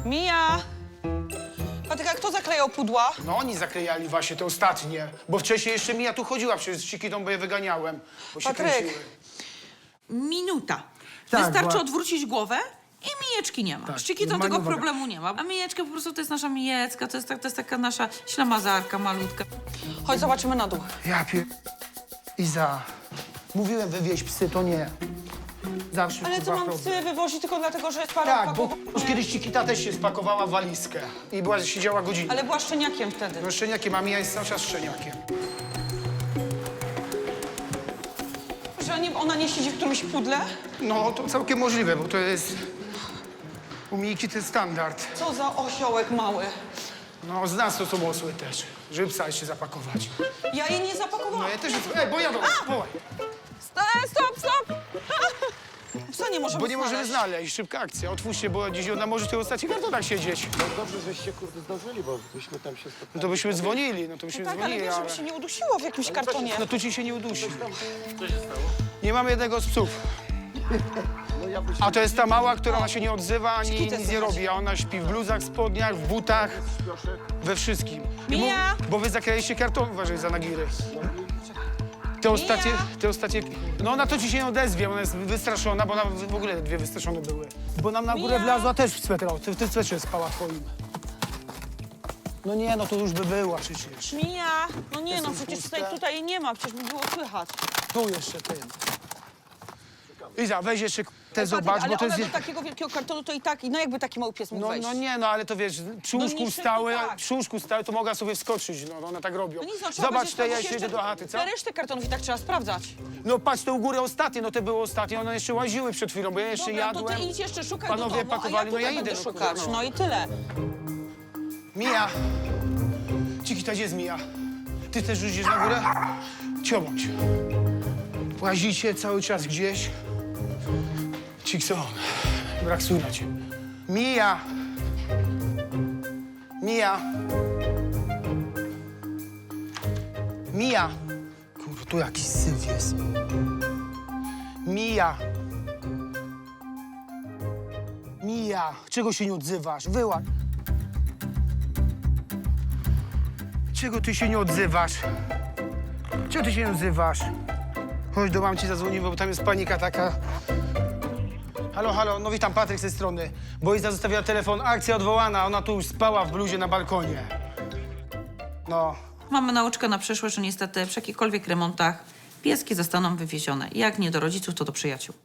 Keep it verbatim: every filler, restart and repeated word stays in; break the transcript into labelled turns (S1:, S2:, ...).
S1: Mija! Patryk, a kto zaklejał pudła?
S2: No oni zaklejali właśnie te ostatnie, bo wcześniej jeszcze Mija tu chodziła przecież z Cikitą, bo je wyganiałem, bo się
S1: Patryk.
S2: kręciły.
S3: Minuta.
S2: Tak,
S3: Wystarczy
S2: była-
S3: odwrócić głowę i mijeczki nie ma.
S2: Tak,
S3: Z Cikitą tego
S2: maniowa-
S3: problemu nie ma. A mijeczka po prostu to jest nasza mijecka, to jest, tak, to jest taka nasza ślamazarka malutka.
S1: Chodź, zobaczymy na dół.
S2: Ja pier... Iza, mówiłem wywieźć psy, to nie. Zawsze
S1: Ale
S2: kurwa,
S1: co mam
S2: problem.
S1: psy wywozić tylko dlatego, że jest parę
S2: Tak, bo
S1: opakowań?
S2: już kiedyś Cikita też się spakowała w walizkę i była, siedziała godzinę.
S1: Ale była szczeniakiem wtedy.
S2: No szczeniakiem, a Mija jest cały czas szczeniakiem.
S1: Że nie, ona nie siedzi w którymś pudle?
S2: No to całkiem możliwe, bo to jest... U Mijki to jest standard.
S1: Co za osiołek mały.
S2: No z nas to są osły też, żeby psa jeszcze zapakować.
S1: Ja jej nie zapakowałam.
S2: No ja też jest... Ej, bo jadą, wołaj.
S1: Stop, stop, stop! Psa nie możemy
S2: Bo nie możemy
S1: znaleźć.
S2: znaleźć, szybka akcja. Otwórzcie, bo gdzieś ona może w tych ostatnich kartonach siedzieć.
S4: No dobrze, żeście kurde zdążyli, bo byśmy tam się spotkali.
S2: No to byśmy dzwonili, no to byśmy
S1: Tak, ale
S2: dzwonili,
S1: wiesz, żeby się nie udusiło w jakimś kartonie.
S2: No tu ci się nie udusi. Co się stało? Nie mamy jednego z psów.
S4: No ja byś...
S2: A to jest ta mała, która ona się nie odzywa, ani
S1: Szkicę
S2: nic nie
S1: słychać.
S2: robi. A ona śpi w bluzach, spodniach, w butach, we wszystkim. I
S1: Mija!
S2: Bo, bo wy zakraliście karton, uważaj za nagiry. Te ostatnie, te ostatnie... No ona to ci się nie odezwie, ona jest wystraszona, bo ona w ogóle dwie wystraszone były. Bo nam na górę
S1: Mija!
S2: wlazła też w swetra, ty w tym swetrze spała twoim. No nie, no to już by była przecież.
S1: Mija! No nie, no
S2: Jestem
S1: przecież
S2: pusta.
S1: tutaj, tutaj jej nie ma, przecież by było słychać.
S2: Tu jeszcze ten. Iza, weź jeszcze te
S1: Patryk,
S2: zobacz,
S1: ale
S2: bo to
S1: ona
S2: jest...
S1: do takiego wielkiego kartonu to i tak, no jakby taki mały pies mógł
S2: No,
S1: wejść.
S2: no nie, no ale to wiesz, przy
S1: No
S2: łóżku
S1: niższy to
S2: stały,
S1: tak.
S2: przy łóżku stały, to mogła sobie wskoczyć, no one tak robią.
S1: No nic, no, trzeba
S2: Zobacz,
S1: będzie
S2: te ja
S1: sprawdzić
S2: się idę
S1: jeszcze
S2: do chaty, co?
S1: te resztę kartonów i tak trzeba sprawdzać.
S2: No patrz, te u góry ostatnie, no te były ostatnie, one jeszcze łaziły przed chwilą, bo ja jeszcze
S1: Dobra,
S2: jadłem.
S1: to ty idź jeszcze szukaj
S2: Panowie
S1: do domu,
S2: pakowali,
S1: a
S2: no
S1: ja
S2: ja
S1: tutaj
S2: idę,
S1: będę
S2: no
S1: szukać.
S2: kurde, no.
S1: No i tyle.
S2: Mija! Cikita, gdzie jest Mija? Ty też już idziesz na górę? Ciobądź. Łazicie cały czas gdzieś. Cikson, brak słuchać. Mija! Mija! Mija! Kurwa, tu jakiś syf jest. Mija! Mija! Czego się nie odzywasz? Wyłaź! Czego ty się nie odzywasz? Czego ty się nie odzywasz? Chodź do mamci zadzwonimy, bo tam jest panika taka. Halo, halo, no witam, Patryk z tej strony. Bo Iza zostawiła telefon, akcja odwołana, ona tu już spała w bluzie na balkonie. No,
S3: Mamy nauczkę na przyszłość, że niestety przy jakichkolwiek remontach pieski zostaną wywiezione. Jak nie do rodziców, to do przyjaciół.